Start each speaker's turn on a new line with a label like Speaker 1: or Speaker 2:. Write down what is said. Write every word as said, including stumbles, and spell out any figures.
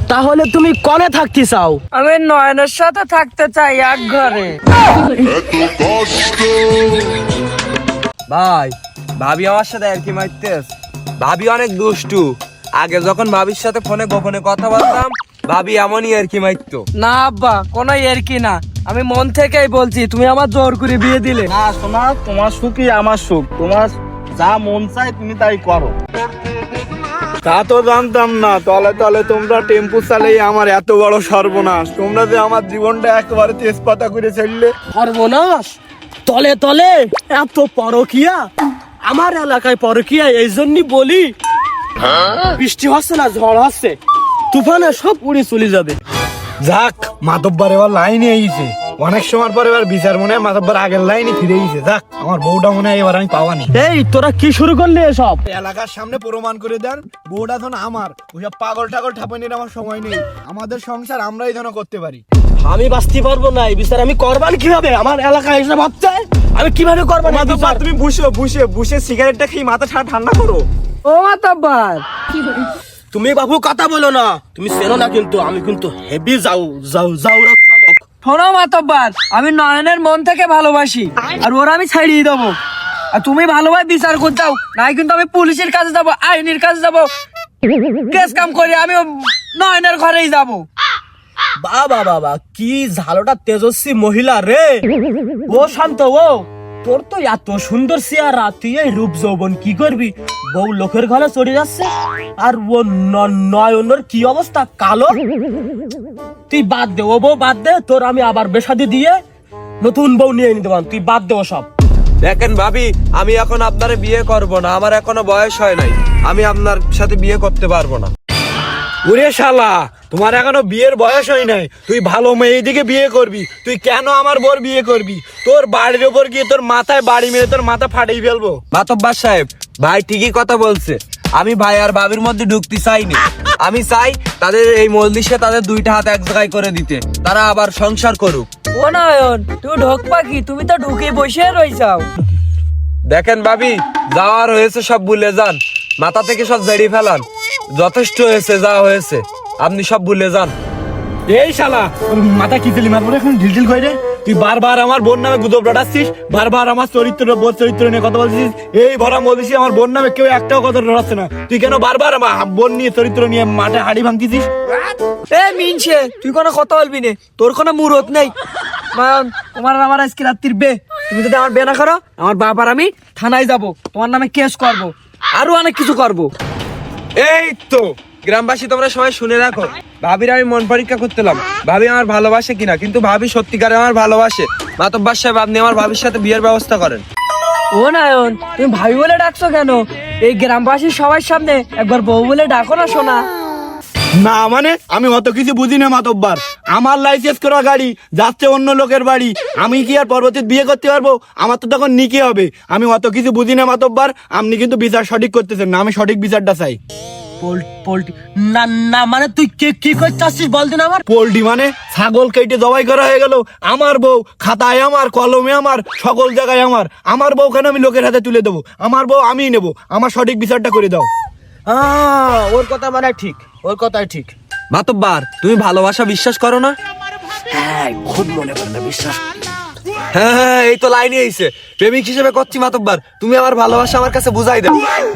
Speaker 1: তাহলে তুমি কনে থাকতে চাও?
Speaker 2: আমি নয়নের সাথে থাকতে চাই এক ঘরে।
Speaker 3: ভাই, ভাবি আমার সাথে আর কি মারতেস? ভাবি অনেক দুষ্টু। আগে যখন ভাবির সাথে ফোনে গোপনে কথা বলতাম, ভাবি এমনই আর কি মারতো।
Speaker 2: না আব্বা, কোনো এর কি না, আমি মন থেকেই বলছি, তুমি আমার জোর করে বিয়ে দিলে।
Speaker 4: না শোনা, তোমার সুখই আমার সুখ, তোমার যা মন চাই তুমি তাই করো। তা তো জানতাম না, তলে তলে তোমরা টেম্পু চালিয়ে আমার এত বড় সর্বনাশ। তোমরা যে আমার জীবনটা একেবারে তেজপাতা করে ছেড়লে।
Speaker 1: সর্বনাশ? তলে তলে এত পরকিয়া? আমার এলাকায় পরকিয়া এই জন্যই বলি, বৃষ্টি হচ্ছে না, ঝড় হচ্ছে, তুফানে সব উড়ে চলে যাবে।
Speaker 4: যাক, মাতব্বর এবার লাইনে এসেছে। অনেক সময় পর এবার বিচার মনে হয় মাতব্বর আগের লাইনে ফিরে গেছে। যাক, আমার বউটা মনে হয় এবার আমি পাওয়ানি।
Speaker 1: এই তোরা কি শুরু করলি এসব?
Speaker 4: এলাকার সামনে প্রমাণ করে দেন বউটা ধন আমার। ওইসব পাগল টাগল ঠাপানির আমার সময় নেই। আমাদের সংসার আমরাই যেন করতে পারি।
Speaker 1: আমি বাঁচতে পারবো না এই বিচার। আমি করবান কিভাবে? আমার এলাকায় এসে ভাবছে আমি কিভাবে করবো না?
Speaker 4: তুমি বুঝো, বুঝে বুঝে সিগারেটটা খেয়ে মাথা ঠান্ডা করো।
Speaker 2: ও মাতব্বর,
Speaker 1: তুমি বাবু কথা বলো না, তুমি চেনো না কিন্তু আমি কিন্তু হেভি যাও যাও যাও লোক।
Speaker 2: শোনো মাতব্বর, আমি নয়নের মন থেকে ভালোবাসি, আর ওরা আমি ছাড়িয়ে দেবো। আর তুমি ভালোভাবে বিচার করতে চাও, নাই কিন্তু আমি পুলিশের কাছে যাবো, আইনের কাছে যাবো, কেস কাম করে আমি নয়নের ঘরেই যাবো।
Speaker 1: বাবা বাবা, কি ঝালোটা তেজস্বী মহিলা রে! ও শান্ত, ও তোর তো এত সুন্দর চেহারা, তুই এই রূপ যৌবন কি করবি? বউ লোকের ঘরে চড়ে যাচ্ছে, আর ও নয়নের কি অবস্থা, কালো। তুই বাদ দে, ও বউ বাদ দে, তোর আমি আবার বেশাদি দিয়ে নতুন বউ নিয়ে নিতে পারবো। তুই বাদ দে সব।
Speaker 3: দেখেন ভাবি, আমি এখন আপনারে বিয়ে করব না, আমার এখনো বয়স হয় নাই, আমি আপনার সাথে বিয়ে করতে পারবো না।
Speaker 4: ওরে শালা, তোমার এখনো বিয়ের বয়স হয় নাই, তুই ভালো মেয়ে দিকে বিয়ে করবি। তুই কেন আমার বোর বিয়ে করবি? তোর বাড়ির ওপর গিয়ে তোর মাথায় বাড়ি মেরে তোর মাথা ফাটিয়ে ফেলবো।
Speaker 3: মাতব্বর সাহেব, ভাই ঠিকই কথা বলছে। আমি ভাই আর ভাবির মধ্যে ঢুকতে চাইনি। আমি চাই তাদের এই মজলিসে তাদের দুইটা হাত এক জায়গায় করে দিতে, তারা আবার সংসার করুক।
Speaker 2: ও নয়ন, তুমি ঢোকবা কি? তুমি তো ঢুকে বসে রইছাও।
Speaker 3: দেখেন ভাবি, যাওয়ার হয়েছে সব ভুলে যান, মাথা থেকে সব ঝেড়ে ফেলান। যথেষ্ট হয়েছে, যা হয়েছে আপনি সব ভুলে যান।
Speaker 4: এই শালা, তোর মাথা কি দিলি মারবো এখন ঢিল ঢিল করে? তুই বারবার আমার বোন নামে গুজব রটাচ্ছিস, বারবার আমার চরিত্র বোর চরিত্র নিয়ে কথা বলছিস। এই ভরা বলছিস আমার বোন নামে কেউ একটাও কথা রটাচ্ছে না। তুই কেন বারবার আমার বোন নিয়ে চরিত্র নিয়ে মাঠে হাড়ি ভাঙতিছিস?
Speaker 2: এ মিনছে, তুই কোনো কথা বলবি না, তোর কোনো মুরত নেই। নয়ন, তোমার আর আমার আজকে রাত্রির বে। তুমি যদি আমার বে না করো, আমার বাবার আমি থানায় যাব, তোমার নামে কেস করব, আরো অনেক কিছু করব।
Speaker 3: এই তো গ্রামবাসী, তোমরা সবাই শুনে রাখো, ভাবির আমি মন পরীক্ষা করতেলাম, ভাবি আমার ভালোবাসে কিনা। কিন্তু ভাবি সত্যিকারে আমার ভালোবাসে। মাতব্বর সাহেব, আপনি আমার ভাবির সাথে বিয়ের ব্যবস্থা করেন।
Speaker 2: ও নয়ন, তুমি ভাই বলে ডাকছো কেন? এই গ্রামবাসীর সবার সামনে একবার বউ বলে ডাকো না শোনা।
Speaker 4: না মানে আমি অত কিছু বুঝি না মাতব্বার। আমার লাইসেন্স করা গাড়ি যাচ্ছে অন্য লোকের বাড়ি, আমি কি আর পরবর্তীতে বিয়ে করতে পারবো? আমার তো তখন নিকে হবে। আমি অত কিছু বুঝি না মাতব্বার। আপনি কিন্তু বিচার সঠিক করতেছেন না, আমি সঠিক বিচারটা চাই।
Speaker 1: পোল্ট্রি না না মানে তুই কি কি করছিস বলদিন? আমার
Speaker 4: পোল্ট্রি মানে ছাগল কেটে জবাই করা হয়ে গেল। আমার বউ খাতায় আমার, কলমে আমার, সকল জায়গায় আমার। আমার বউ কেন আমি লোকের হাতে তুলে দেবো? আমার বউ আমিই নেবো। আমার সঠিক বিচারটা করে দাও।
Speaker 1: আহ, ওর কথা মানে ঠিক, ওর কথাই ঠিক।
Speaker 3: মাতব্বর, তুমি ভালোবাসা বিশ্বাস করো না?
Speaker 1: হ্যাঁ, খুব মনে করে না বিশ্বাস।
Speaker 3: হ্যাঁ হ্যাঁ, এই তো লাইনে আইছে। প্রেমিক হিসেবে করছি মাতব্বর, তুমি আমার ভালোবাসা আমার কাছে বুঝাই দাও।